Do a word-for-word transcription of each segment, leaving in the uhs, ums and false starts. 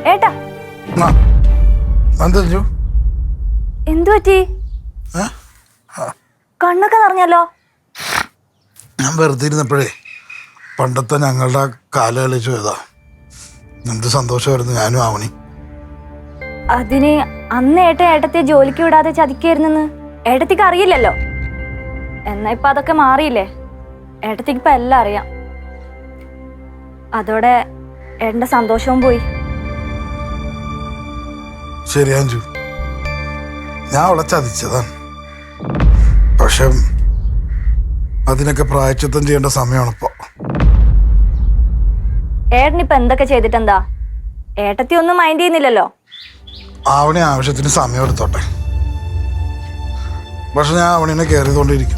ഏട്ടാ എന്തു പറ്റി? കണ്ണൊക്കെ നിറഞ്ഞല്ലോ. ഞാൻ വെറുതെ ഇരുന്നപ്പോഴേ പണ്ടത്തെ ഞങ്ങളുടെ കാല കളിച്ചു പോയതാ. എന്ത് സന്തോഷമായിരുന്നു ഞാനും ആവണി. അതിന് അന്ന് ഏട്ട ഏട്ടത്തെ ജോലിക്ക് വിടാതെ ചതിക്കായിരുന്നെന്ന് ഏട്ടത്തിക്ക് അറിയില്ലല്ലോ. എന്നാ ഇപ്പൊ അതൊക്കെ മാറിയില്ലേ? ഏട്ടത്തിക്ക് ഇപ്പൊ എല്ലാം അറിയാം. അതോടെ ഏട്ടന്റെ സന്തോഷവും പോയി. ശരി അഞ്ജു, ഞാൻ അവളെ ചതിച്ചതാണ്. പക്ഷെ അതിനൊക്കെ പ്രായശ്ചിത്തം ചെയ്യേണ്ട സമയമാണിപ്പോ. ഏട്ടനിപ്പൊ എന്തൊക്കെ ചെയ്തിട്ടെന്താ? ഏട്ടത്തി ഒന്നും മൈൻഡ് ചെയ്യുന്നില്ലല്ലോ. ആവണി ആവശ്യത്തിന് സമയം എടുത്തോട്ടെ. പക്ഷെ ഞാൻ അവണിനെ കയറിയതുകൊണ്ടിരിക്കും.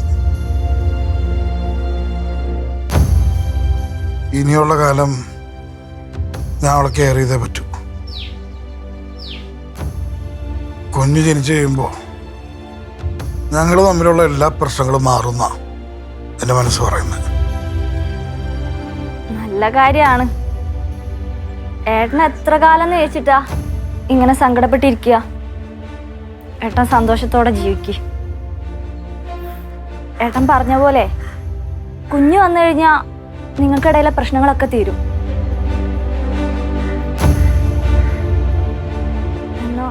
ഇനിയുള്ള കാലം ഞാൻ അവളെ കെയർ ചെയ്തേ പറ്റൂ. കുഞ്ഞ് ജനിച്ചു കഴിയുമ്പോൾ ഞങ്ങൾ തമ്മിലുള്ള എല്ലാ പ്രശ്നങ്ങളും മാറുന്ന എൻ്റെ മനസ്സ് പറയുന്നത്. നല്ല കാര്യമാണ്. ഏട്ടൻ എത്ര കാലം വെച്ചിട്ടാ ഇങ്ങനെ സങ്കടപ്പെട്ടിരിക്കുക? ഏട്ടൻ സന്തോഷത്തോടെ ജീവിക്കുക. ഏട്ടൻ പറഞ്ഞ പോലെ കുഞ്ഞു വന്നു കഴിഞ്ഞാ നിങ്ങൾക്കിടയിലെ പ്രശ്നങ്ങളൊക്കെ തീരും. എന്നോ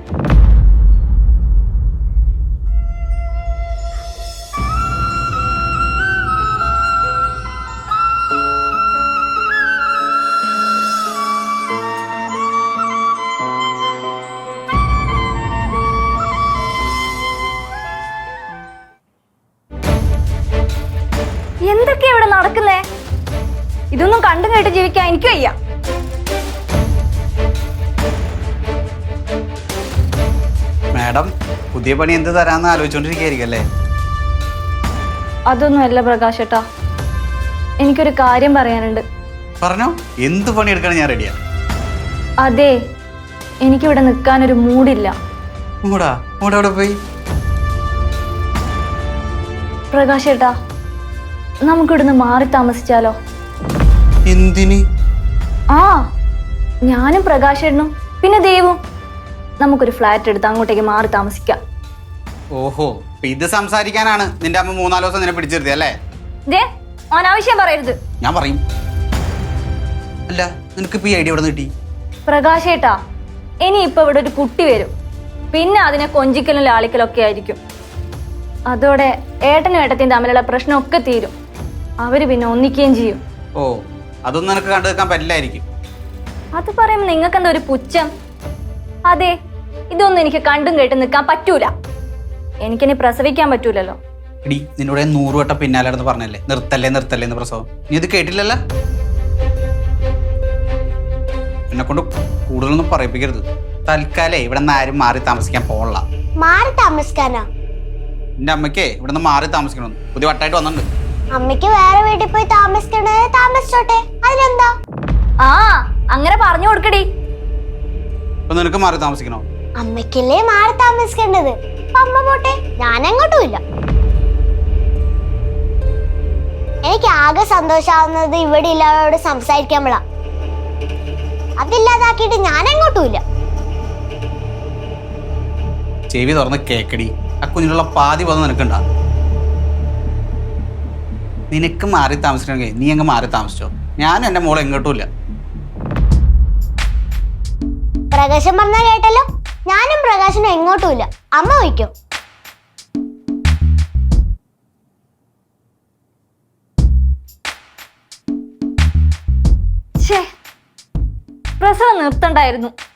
എന്തൊക്കെയാ ഇവിടെ നടക്കുന്നേ? ഇതൊന്നും കണ്ടും കേട്ട് ജീവിക്കാൻ എനിക്ക് വയ്യ. മാഡം പുതിയ പണി എന്ത് തരാന്ന് ആലോചിച്ചോണ്ടിരിക്കുകയായിരിക്കല്ലേ? അതൊന്നും അല്ല പ്രകാശ് ഏട്ടാ, എനിക്കൊരു കാര്യം പറയാനുണ്ട്. പറഞ്ഞോ, എന്ത് പണി എടുക്കണം ഞാൻ റെഡിയാ. അതെ, എനിക്കിവിടെ നിൽക്കാനൊരു മൂഡില്ല. മൂടാ മൂടെ അവിടെ പോയി. പ്രകാശ് ഏട്ടാ, നമുക്കിവിടുന്ന് മാറി താമസിച്ചാലോ? എന്തിന്? ആ, ഞാനും പ്രകാശേട്ടനും പിന്നെ ദേവും നമുക്കൊരു ഫ്ലാറ്റ് എടുത്ത് അങ്ങോട്ടേക്ക് മാറി താമസിക്കാം. ഓഹോ, ഇത് സംസാരിക്കാനാണ് നിന്റെ അമ്മ മൂന്നാല് ദിവസം നിന്നെ പിടിച്ചിരുത്തി അല്ലേ? ദേ, അനാവശ്യം പറയരുത്. ഞാൻ പറയും. അല്ല, നിനക്ക് ഇപ്പൊ ഈ ഐഡിയ എവിടെ കിട്ടി? പ്രകാശേട്ടാ, ഇനി ഇപ്പൊ ഇവിടെ ഒരു കുട്ടി വരും, പിന്നെ അതിനെ കൊഞ്ചിക്കലും ലാളിക്കലും ഒക്കെ ആയിരിക്കും. അതോടെ ഏട്ടനും ഏട്ടത്തെയും തമ്മിലുള്ള പ്രശ്നമൊക്കെ തീരും. അവര് പിന്നെ ഒന്നിക്കുകയും ചെയ്യും. ഓ, അതൊന്നും നിനക്ക് കണ്ടു നിൽക്കാൻ പറ്റില്ലായിരിക്കും. അത് പറയുമ്പോ നിങ്ങൾക്ക് എന്താ ഒരു പുച്ഛം? അതെ, ഇതൊന്നും എനിക്ക് കണ്ടും കേട്ടും നിൽക്കാൻ പറ്റൂല. എനിക്കിനി പ്രസവിക്കാൻ പറ്റൂലല്ലോ. എടി, നിന്നോട് നൂറ് വട്ടം പിന്നാലെ നടന്ന് പറഞ്ഞല്ലേ നിർത്തല്ലേ നിർത്തല്ലേ എന്ന് പ്രസവം. നീ ഇത് കേട്ടില്ലല്ലോ. എന്നെ കൊണ്ട് കൂടുതലൊന്നും പറയിപ്പിക്കരുത്. തൽക്കാലേ ഇവിടെ നിന്ന് ആരും മാറി താമസിക്കാൻ പോകണ്ട. മാറി താമസിക്കാനാ? എന്റെ അമ്മയ്ക്കേ ഇവിടെ നിന്ന് മാറി താമസിക്കണമെന്ന് പുതിയ വട്ടായിട്ട് വന്നിട്ടുണ്ട്. അമ്മയ്ക്ക് വേറെ വീട്ടിൽ പോയി താമസിക്കണേ, താമസിച്ചോട്ടെ, അതിനെന്താ? ആ, അങ്ങനെ പറഞ്ഞു കൊടുക്കടി. ഇപ്പൊ നിനക്ക് മാറി താമസിക്കണോ? അമ്മയ്ക്കല്ലേ മാറി താമസിക്കേണ്ടത്. അമ്മ പോട്ടെ, ഞാൻ എങ്ങോട്ടും ഇല്ല. എനിക്ക് ആകെ സന്തോഷാവുന്നത് ഇവിടെ ഇല്ലാവരോട് സംസാരിക്കുമ്പോഴാ. അതില്ലാതാക്കിയിട്ട് ഞാൻ എങ്ങോട്ടും ഇല്ല. ചെവി തുറന്ന് കേക്കടി. ആ കുഞ്ഞിനുള്ള പാതി പദം നിനക്കുണ്ടാ. നിനക്ക് മാറി താമസിക്കണമെങ്കിൽ നീ അങ്ങ് മാറി താമസിച്ചോ. ഞാനും എന്റെ മോളെ എങ്ങോട്ടും ഇല്ല. പ്രകാശം പറഞ്ഞാ കേട്ടല്ലോ, ഞാനും പ്രകാശനും എങ്ങോട്ടും ഇല്ല. അമ്മ വയ്ക്കോ? പ്രസവം നിർത്തണ്ടായിരുന്നു.